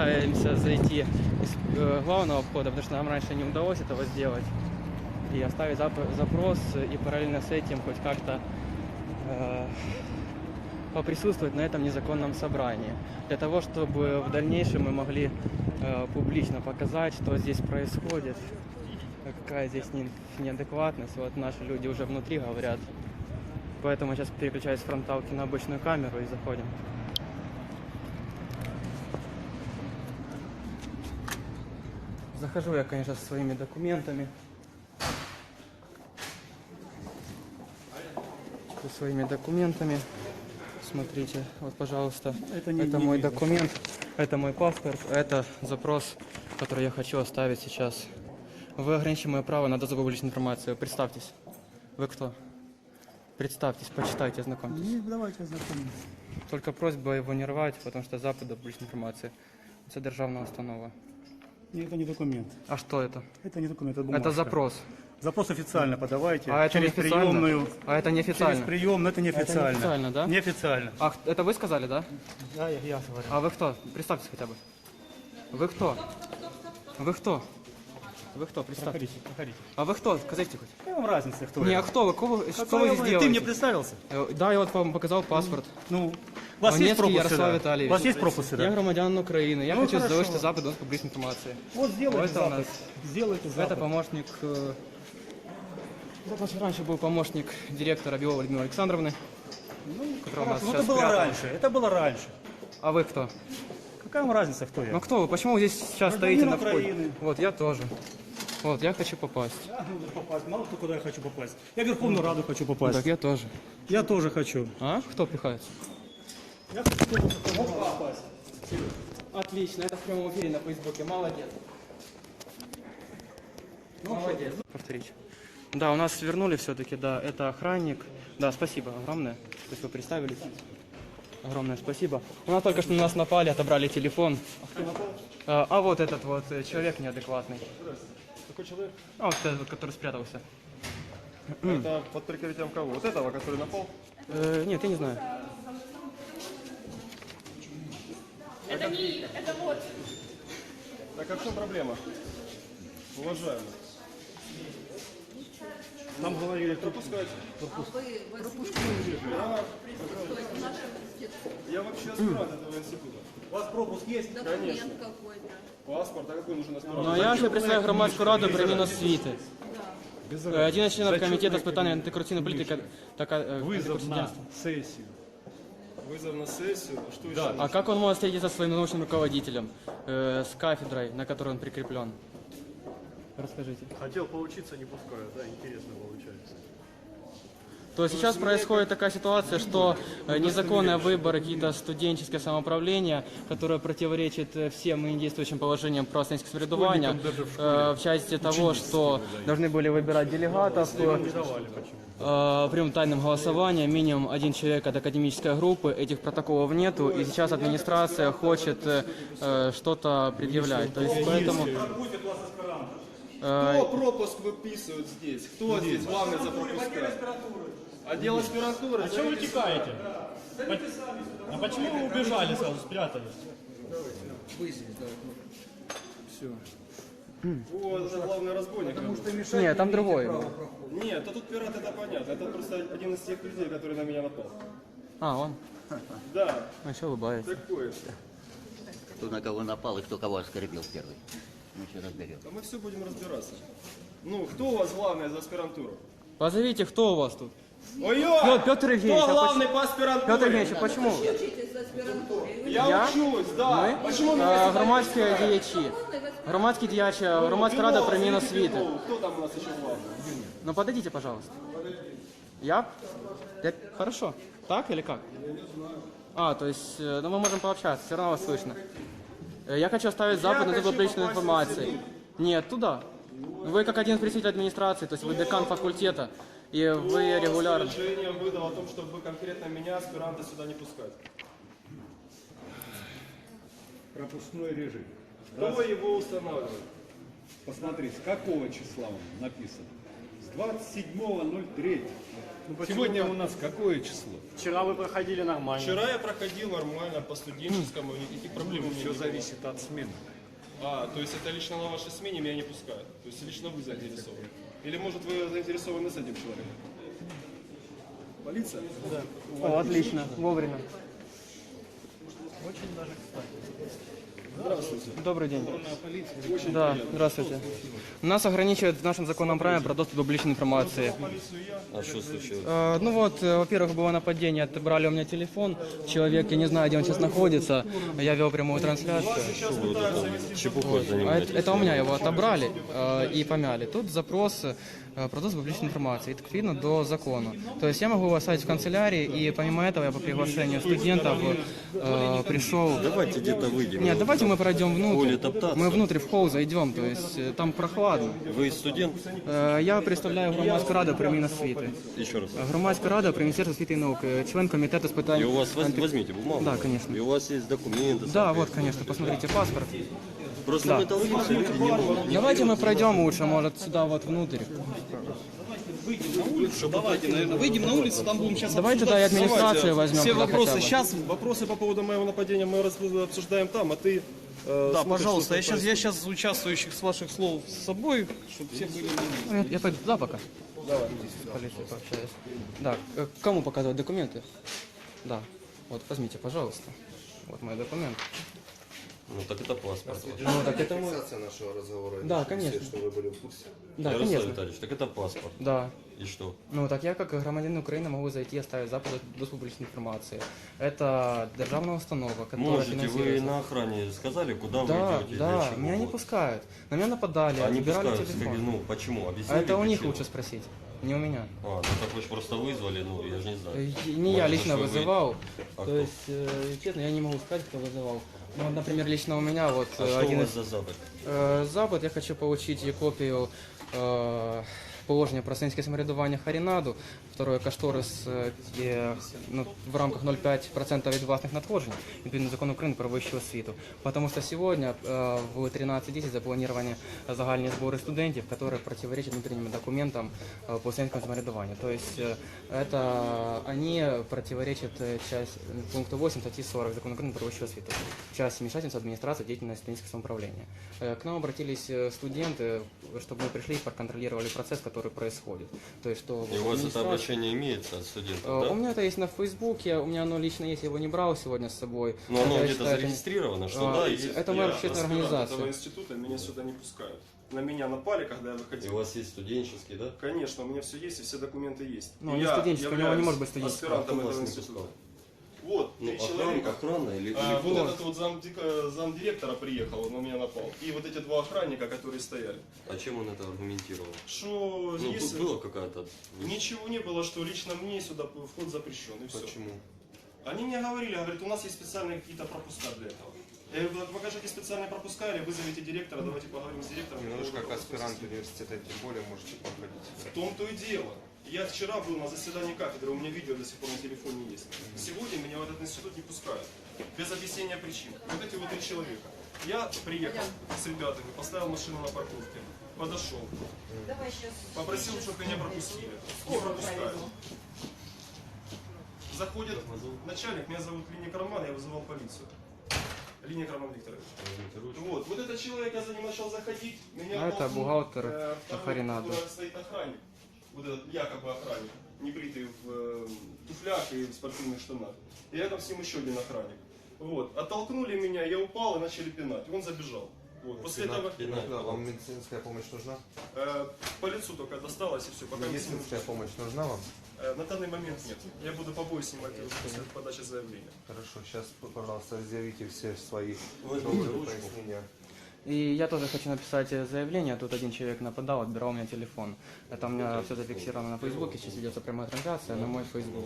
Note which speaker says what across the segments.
Speaker 1: постараемся зайти из главного входа, потому что нам раньше не удалось этого сделать. И оставить запрос и параллельно с этим хоть как-то поприсутствовать на этом незаконном собрании. Для того, чтобы в дальнейшем мы могли публично показать, что здесь происходит, какая здесь неадекватность. Вот наши люди уже внутри говорят. Поэтому сейчас переключаюсь с фронталки на обычную камеру и заходим. Захожу я, конечно, со своими документами. Со своими документами. Смотрите, вот, пожалуйста, это мой документ, это мой паспорт, это запрос, который я хочу оставить сейчас. Вы ограничили мое право на доступ к публичной информации. Представьтесь. Вы кто? Представьтесь, почитайте, ознакомьтесь.
Speaker 2: Не, давайте ознакомимся.
Speaker 1: Только просьба его не рвать, потому что запад до публичной информации. Это державная установа.
Speaker 2: Нет, это не документ.
Speaker 1: А что это?
Speaker 2: Это не документ, это бумажка.
Speaker 1: Это запрос.
Speaker 2: Запрос официально подавайте.
Speaker 1: А это
Speaker 2: через
Speaker 1: неофициально?
Speaker 2: приемную.
Speaker 1: А это неофициально?
Speaker 2: Через приемную, это неофициально.
Speaker 1: Это неофициально, да?
Speaker 2: Неофициально.
Speaker 1: А это вы сказали, да?
Speaker 2: Да, я говорю.
Speaker 1: А вы кто? Представьтесь хотя бы. Вы кто? Вы кто? Вы кто? Представьтесь.
Speaker 2: Проходите, проходите.
Speaker 1: А вы кто? Скажите хоть.
Speaker 2: Какая вам разница, кто
Speaker 1: Не,
Speaker 2: я?
Speaker 1: а кто вы? Что
Speaker 2: Какая
Speaker 1: вы
Speaker 2: вам-
Speaker 1: здесь делаете?
Speaker 2: Ты мне представился?
Speaker 1: Да, я вот вам показал паспорт.
Speaker 2: Ну, у вас есть
Speaker 1: Онецкий
Speaker 2: пропуск
Speaker 1: Ярослав
Speaker 2: сюда?
Speaker 1: Витальевич.
Speaker 2: У вас есть пропуск
Speaker 1: Я
Speaker 2: сюда?
Speaker 1: громадянин Украины. Я
Speaker 2: Ну,
Speaker 1: хочу
Speaker 2: хорошо.
Speaker 1: завышить запад доступ к публичной информации.
Speaker 2: Вот сделайте
Speaker 1: Это у
Speaker 2: запад.
Speaker 1: нас.
Speaker 2: Сделайте
Speaker 1: Это
Speaker 2: запад.
Speaker 1: помощник... Это раньше был помощник директора Белова Людмилы Александровны. Которая у нас
Speaker 2: Хорошо, ну,
Speaker 1: сейчас
Speaker 2: это было
Speaker 1: спрятана.
Speaker 2: раньше. Это было раньше.
Speaker 1: А вы кто?
Speaker 2: Какая вам разница, кто я?
Speaker 1: Ну кто вы? Почему вы здесь сейчас
Speaker 2: Гражданин
Speaker 1: стоите на входе?
Speaker 2: Украины.
Speaker 1: Вот, я тоже. Вот, я хочу попасть.
Speaker 2: Я нужно попасть. Мало кто куда я хочу попасть. Я в Верховную Раду хочу попасть.
Speaker 1: Так, я тоже.
Speaker 2: Я тоже хочу.
Speaker 1: А? Кто пихается?
Speaker 2: Я хочу тоже попасть.
Speaker 1: Отлично, это в прямом эфире на Фейсбуке. Молодец. Молодец. Повторить. Да, у нас вернули все-таки, да, это охранник. Да, спасибо огромное. То есть вы представились. Огромное спасибо. У нас только что на нас напали, отобрали телефон. А вот этот вот человек неадекватный.
Speaker 3: Какой человек?
Speaker 1: А вот этот вот, который спрятался.
Speaker 3: Это под прикрытием кого? Вот этого, который напал?
Speaker 1: Нет, я не знаю.
Speaker 4: Это не, это вот.
Speaker 3: Так а в чем проблема? Уважаемый.
Speaker 2: Нам говорили,
Speaker 3: Пропускайте. Я вообще аспирант этого института.
Speaker 2: у вас пропуск есть?
Speaker 3: Конечно. Паспорт, а какой нужен аспирант?
Speaker 1: Ну, я ще представляю громадську раду приміну освіти. Один из членов комитета с питания антикоррупционной политики
Speaker 2: Вызов на сессию.
Speaker 3: Вызов на сессию. А что еще?
Speaker 1: А как он может встретиться со своим научным руководителем, с кафедрой, на которой он прикреплен? Расскажите.
Speaker 5: Хотел поучиться, не пускают, да, интересно получается.
Speaker 1: То есть сейчас происходит такая ситуация, что незаконные выборы, какие-то студенческие самоуправления, которые противоречат всем ныне действующим положениям про студенческое самоврядування, в части того, что должны были выбирать делегатов, прямым тайным голосованием, минимум один человек от академической группы, этих протоколов нету, и сейчас администрация хочет что-то предъявлять. То есть поэтому...
Speaker 3: Кто пропуск выписывает здесь? Кто здесь главный за пропуска? Отдел аспирантуры?
Speaker 5: А чего вы текаете? А почему вы убежали сразу, спрятались?
Speaker 3: Вот, это главный разбойник.
Speaker 1: Нет, там другой.
Speaker 3: Нет, а тут пират, это понятно. Это просто один из тех людей, который на меня напал.
Speaker 1: А, он?
Speaker 3: Да,
Speaker 1: А что улыбается?
Speaker 3: такой.
Speaker 6: Кто на кого напал и кто кого оскорбил первый. Мы все разберем.
Speaker 3: А мы все будем разбираться. Ну, кто у вас главный за аспирантуру?
Speaker 1: Позовите, кто у вас тут?
Speaker 3: Ой-ой!
Speaker 1: Петр Евгеньевич,
Speaker 3: Кто
Speaker 1: а
Speaker 3: главный по аспирантуре?
Speaker 1: Петр Евгеньевич, а почему?
Speaker 3: Я учусь, да.
Speaker 1: Ми?
Speaker 3: Почему меня
Speaker 1: Громадські діячі. Громадські діячі, громадська рада приміну освіти.
Speaker 3: Кто там у нас еще главный?
Speaker 1: Ну подойдите, пожалуйста. Я? Хорошо. Так или как? А, то есть, ну мы можем пообщаться, все равно вас слышно. Я хочу оставить запад на публичной информации. Нет, туда. Вы как один из представителей администрации, то есть вы декан факультета, и вы регулярно...
Speaker 3: Решение выдал о том, чтобы конкретно меня, аспиранта, сюда не пускать.
Speaker 7: Пропускной режим.
Speaker 3: Кто его устанавливает?
Speaker 7: Посмотри, с какого числа он написан? С 27.03. Сегодня у нас какое число?
Speaker 2: Вчера вы проходили нормально.
Speaker 3: Вчера я проходил нормально по студенческому, никаких проблем у меня
Speaker 7: Все
Speaker 3: не было.
Speaker 7: зависит от смены.
Speaker 3: То есть это лично на вашей смене меня не пускают? То есть лично вы заинтересованы? Или может вы заинтересованы с этим человеком? Полиция? Да.
Speaker 1: О, отлично, вовремя.
Speaker 3: Здравствуйте.
Speaker 1: Добрый день.
Speaker 3: Очень
Speaker 1: Да,
Speaker 3: приятно.
Speaker 1: здравствуйте. Нас ограничивает в нашем законном праве про доступ до публичной информации.
Speaker 3: А что случилось?
Speaker 1: Ну вот, во-первых, было нападение, отобрали у меня телефон. Человек, я не знаю, где он сейчас находится. Я вел прямую трансляцию.
Speaker 3: Чепухой
Speaker 1: Это у меня его отобрали и помяли. Тут запрос про доступ к публичной информации. Это видно до закона. То есть я могу его оставить в канцелярии, и помимо этого я по приглашению студентов пришел...
Speaker 8: Давайте где-то выйдем.
Speaker 1: Нет, давайте мы пройдем
Speaker 8: Холле
Speaker 1: внутрь.
Speaker 8: топтаться.
Speaker 1: Мы внутрь в холл зайдем, то есть там прохладно.
Speaker 8: Вы студент?
Speaker 1: Я представляю громадську раду при Міносвіти.
Speaker 8: Еще раз.
Speaker 1: Громадська рада при Міністерстві освіти і науки, член комітету з питань...
Speaker 8: И у вас возьмите бумагу.
Speaker 1: Да, конечно.
Speaker 8: И у вас есть документы.
Speaker 1: Да, вот, конечно, посмотрите паспорт.
Speaker 8: Просто
Speaker 1: Да.
Speaker 8: мы толпимся, люди не могут.
Speaker 1: Давайте мы пройдем лучше, может, сюда вот внутрь.
Speaker 3: Давайте, наверное, выйдем на улицу, там будем сейчас
Speaker 1: Давайте тогда и администрацию возьмем.
Speaker 3: Все
Speaker 1: туда
Speaker 3: вопросы.
Speaker 1: хотя бы.
Speaker 3: Сейчас вопросы по поводу моего нападения мы обсуждаем там, а ты...
Speaker 5: Да, пожалуйста, я сейчас участвующих с ваших слов с собой, чтобы все были...
Speaker 1: Я пойду туда пока. Давай. С полицией пообщаюсь. Да, кому показывать документы? Да. Вот, возьмите, пожалуйста. Вот мой документ.
Speaker 8: Ну так это паспорт.
Speaker 1: Ну, так это мой...
Speaker 9: нашего разговора.
Speaker 1: Да, конечно.
Speaker 9: Что вы были в курсе.
Speaker 1: Да,
Speaker 8: Ярослав
Speaker 1: конечно.
Speaker 8: Витальевич, так это паспорт.
Speaker 1: Да.
Speaker 8: И что?
Speaker 1: Ну, так я, как громадянин Украины, могу зайти и оставить запад до публичной информации. Это державная установа, которая
Speaker 8: Можете, вы
Speaker 1: финансируется.
Speaker 8: на охране сказали, куда
Speaker 1: Да,
Speaker 8: вы идете? для
Speaker 1: да,
Speaker 8: чего?
Speaker 1: меня не
Speaker 8: Вот.
Speaker 1: пускают. На меня нападали,
Speaker 8: Они
Speaker 1: отбирали
Speaker 8: пускают,
Speaker 1: телефон.
Speaker 8: ну почему?
Speaker 1: А
Speaker 8: Объясните
Speaker 1: это у них
Speaker 8: причину.
Speaker 1: лучше спросить, не у меня.
Speaker 8: Ну так вы же просто вызвали, ну я же не знаю.
Speaker 1: Не я
Speaker 8: Может,
Speaker 1: лично
Speaker 8: что вы-
Speaker 1: вызывал.
Speaker 8: А
Speaker 1: То
Speaker 8: кто?
Speaker 1: есть, честно, я не могу сказать, кто вызывал. Ну, вот, например, лично у меня вот
Speaker 8: А что у
Speaker 1: один
Speaker 8: вас
Speaker 1: из...
Speaker 8: за запад?
Speaker 1: Запад, я хочу получить и копию положення про сценське самоврядування Харінаду, второе кошторис ну, в рамках 0,5% від власних надходжень, відповідно закону України про вищу освіту. Потому что сегодня в 13:10 запланированы загальні збори студентів, которые противоречат внутренним документам по сценському самоврядуванню. То есть это они противоречат часть пункту 8 статьи 40 закона України про вищу освіту, часть вмешательства администрации в деятельность студенческого самоуправления. К нам обратились студенты, чтобы мы пришли и проконтролировали процесс, который происходит. То есть, что
Speaker 8: И у вас это
Speaker 1: администрация-
Speaker 8: обращение имеется от студентов,
Speaker 1: У
Speaker 8: да?
Speaker 1: меня это есть на Фейсбуке, у меня оно лично есть, я его не брал сегодня с собой.
Speaker 8: Но оно
Speaker 1: Это, я
Speaker 8: где-то
Speaker 1: считаю, это-
Speaker 8: зарегистрировано, что
Speaker 1: А,
Speaker 8: да,
Speaker 1: и-
Speaker 8: есть.
Speaker 1: это моя общественная
Speaker 3: аспирант
Speaker 1: организация.
Speaker 3: этого института, меня сюда не пускают. На меня напали, когда я
Speaker 8: И
Speaker 3: выходил.
Speaker 8: у вас есть студенческий, да?
Speaker 3: Конечно, у меня все есть и все документы есть.
Speaker 1: Ну,
Speaker 3: И
Speaker 1: не
Speaker 3: я
Speaker 1: студенческий, у него не может быть студенческого.
Speaker 3: аспирантом
Speaker 8: Кто вас
Speaker 3: этого
Speaker 8: не
Speaker 3: института.
Speaker 8: пускал?
Speaker 3: Вот,
Speaker 8: Ну,
Speaker 3: 3 человека.
Speaker 8: охрана или
Speaker 3: Вот
Speaker 8: кто?
Speaker 3: этот вот замдиректора приехал, он на меня напал. И вот эти 2 охранника, которые стояли.
Speaker 8: А чем он это аргументировал?
Speaker 3: Что
Speaker 8: Ну,
Speaker 3: если...
Speaker 8: тут была какая-то...
Speaker 3: Ничего не было, что лично мне сюда вход запрещен, и все.
Speaker 8: Почему?
Speaker 3: Они мне говорили, говорят, у нас есть специальные какие-то пропуска для этого. Я говорю, покажите специальные пропуска или вызовите директора, давайте поговорим с директором.
Speaker 9: Ну, вы же
Speaker 3: какой
Speaker 9: как
Speaker 3: пропуск
Speaker 9: аспирант
Speaker 3: есть.
Speaker 9: университета, тем более можете походить.
Speaker 3: В том-то и дело. Я вчера был на заседании кафедры, у меня видео до сих пор на телефоне есть. Сегодня меня в этот институт не пускают. Без объяснения причин. Вот эти вот 3 человека. Я приехал с ребятами, поставил машину на парковке, подошел, попросил, чтобы меня пропустили. Не пропускают. Заходит начальник, меня зовут Линия Роман, я вызывал полицию. Линия Роман Викторович. Вот этот человек, я за ним начал заходить. Меня
Speaker 1: А это
Speaker 3: толкнул,
Speaker 1: бухгалтер
Speaker 3: второй,
Speaker 1: Харинада.
Speaker 3: который стоит охранник. Вот этот якобы охранник, небритый в туфлях и в спортивных штанах. И рядом с ним еще один охранник. Вот. Оттолкнули меня, я упал и начали пинать. Он забежал. Вот. После этого
Speaker 9: Вам медицинская помощь нужна?
Speaker 3: по лицу только досталось и все. Пока не сниму.
Speaker 9: Медицинская помощь нужна вам?
Speaker 3: На данный момент нет. Я буду побои снимать после подачи заявления.
Speaker 9: Хорошо, сейчас, пожалуйста, заявите все свои
Speaker 8: Возьмите
Speaker 9: доводы,
Speaker 8: ручку.
Speaker 9: пояснения.
Speaker 1: И я тоже хочу написать заявление. Тут один человек нападал, отбирал у меня телефон. Это у меня все зафиксировано на Фейсбуке. Сейчас ведется прямая трансляция на мой Фейсбук.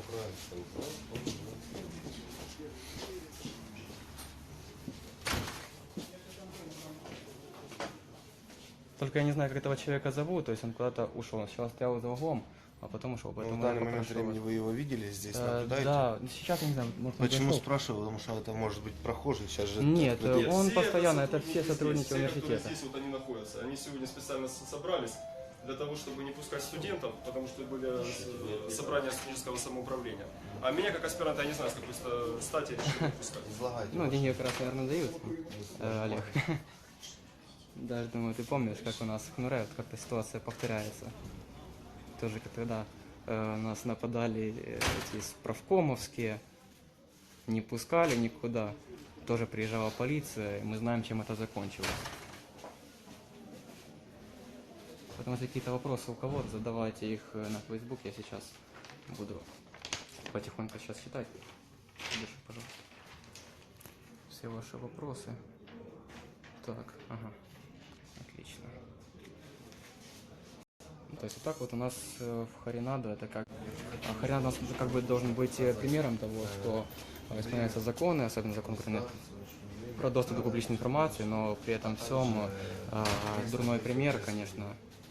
Speaker 1: Только я не знаю, как этого человека зовут. То есть он куда-то ушел. Он сначала стоял за углом, а потом ушел.
Speaker 9: Ну,
Speaker 1: Поэтому
Speaker 9: в
Speaker 1: я
Speaker 9: данный момент
Speaker 1: попрошу
Speaker 9: времени
Speaker 1: вас.
Speaker 9: вы его видели здесь,
Speaker 1: Э,
Speaker 9: наблюдаете?
Speaker 1: Да, сейчас я не знаю, может, он
Speaker 9: Почему
Speaker 1: зашел.
Speaker 9: спрашиваю? Потому что это может быть прохожий. Сейчас же
Speaker 1: Нет, он
Speaker 3: Все
Speaker 1: постоянно, это
Speaker 3: сотрудники
Speaker 1: все сотрудники
Speaker 3: здесь, все, которые
Speaker 1: университета.
Speaker 3: здесь вот они находятся. Они сегодня специально собрались. для того, чтобы не пускать студентов, потому что были собрания студенческого самоуправления. А меня, как аспиранта, я не знаю, с какой стати решили не пускать.
Speaker 9: Излагайте.
Speaker 1: Ну, деньги как раз, наверное, дают, Олег. Даже, думаю, ты помнишь, как у нас в Хнуре вот как-то ситуация повторяется. Тоже как тогда нас нападали эти справкомовские, не пускали никуда. Тоже приезжала полиция, и мы знаем, чем это закончилось. Поэтому если какие-то вопросы у кого-то, задавайте их на Facebook. Я сейчас буду потихоньку сейчас читать. Держи, пожалуйста. Все ваши вопросы. Так, ага. Отлично. Ну, то есть вот так вот у нас в Харинаду это как... Харинад у нас как бы должен быть примером того, что исполняются законы, особенно закон про доступ до публичной информации, но при этом всем дурной пример, конечно.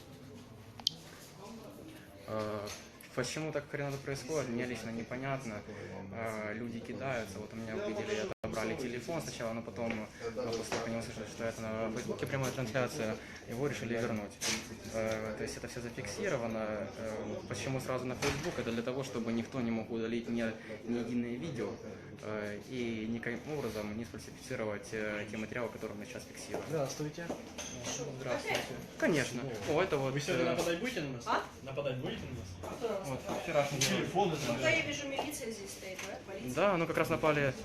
Speaker 1: Почему так в Харинаду происходит, мне лично непонятно. Люди кидаются, вот у меня увидели, отобрали телефон сначала, но потом, после того, как услышали, что это на Фейсбуке прямая трансляция, его решили вернуть. То есть это все зафиксировано. Почему сразу на Facebook? Это для того, чтобы никто не мог удалить ни единое видео и никаким образом не сфальсифицировать те материалы, которые мы сейчас фиксируем.
Speaker 5: Здравствуйте.
Speaker 1: Здравствуйте. Конечно. О, это вот...
Speaker 5: Вы сегодня нападать будете на нас? Нападать будете на нас?
Speaker 1: Вот, вчерашний
Speaker 5: Телефон
Speaker 4: Пока я вижу, милиция здесь стоит, да? Полиция.
Speaker 1: Да, ну как раз напали.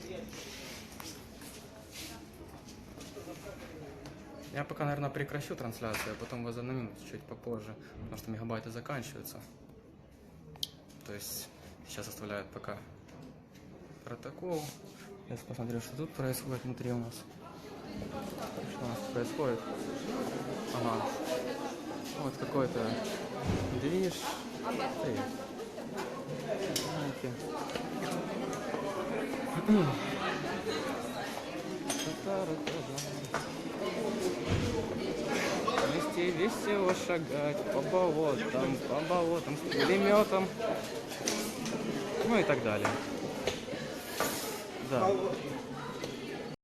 Speaker 1: Я пока, наверное, прекращу трансляцию, а потом возобновим чуть попозже, потому что мегабайты заканчиваются. То есть сейчас оставляют пока протокол. Сейчас посмотрю, что тут происходит внутри у нас. Что у нас происходит? Ага. Вот какой-то движ. Вместе весело шагать по болотам с пулеметом. Ну и так далее. Да.